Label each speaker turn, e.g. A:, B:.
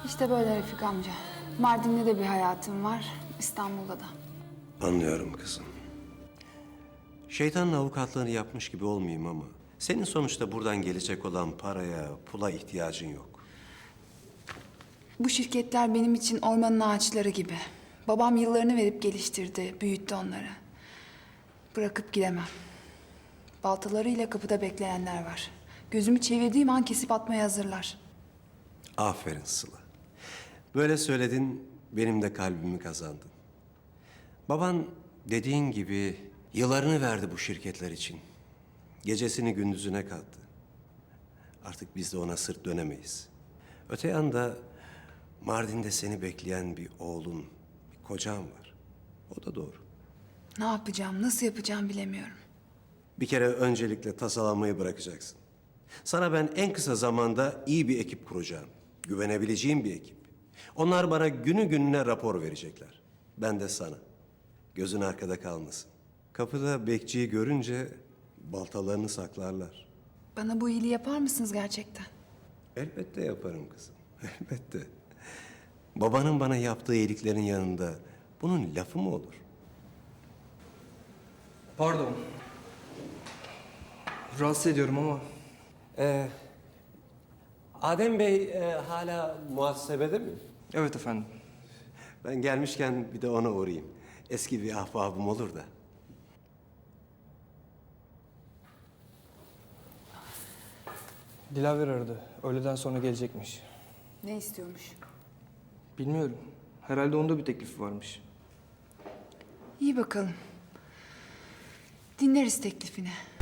A: İşte böyle Refik amca. Mardin'de de bir hayatım var, İstanbul'da da.
B: Anlıyorum kızım. Şeytanın avukatlığını yapmış gibi olmayayım ama... senin sonuçta buradan gelecek olan paraya, pula ihtiyacın yok.
A: Bu şirketler benim için ormanın ağaçları gibi. Babam yıllarını verip geliştirdi, büyüttü onları. Bırakıp gidemem. Baltalarıyla kapıda bekleyenler var. Gözümü çevirdiğim an kesip atmaya hazırlar.
B: Aferin Sıla. Böyle söyledin, benim de kalbimi kazandın. Baban dediğin gibi yıllarını verdi bu şirketler için. Gecesini gündüzüne kattı. Artık biz de ona sırt dönemeyiz. Öte yanda Mardin'de seni bekleyen bir oğlun, bir kocan var. O da doğru.
A: Ne yapacağım, nasıl yapacağım bilemiyorum.
B: Bir kere öncelikle tasalanmayı bırakacaksın. Sana ben en kısa zamanda iyi bir ekip kuracağım. Güvenebileceğim bir ekip. Onlar bana günü gününe rapor verecekler. Ben de sana. Gözün arkada kalmasın. Kapıda bekçiyi görünce baltalarını saklarlar.
A: Bana bu iyiliği yapar mısınız gerçekten?
B: Elbette yaparım kızım. Elbette. Babanın bana yaptığı iyiliklerin yanında bunun lafı mı olur?
C: Pardon. Rahatsız ediyorum ama
B: Adem Bey hala muhasebede mi?
C: evet efendim.
B: Ben gelmişken bir de ona uğrayayım. Eski bir ahbabım olur da.
C: Dilaver aradı. Öğleden sonra gelecekmiş.
A: Ne istiyormuş?
C: Bilmiyorum. Herhalde onda bir teklifi varmış.
A: İyi bakalım. Dinleriz teklifini.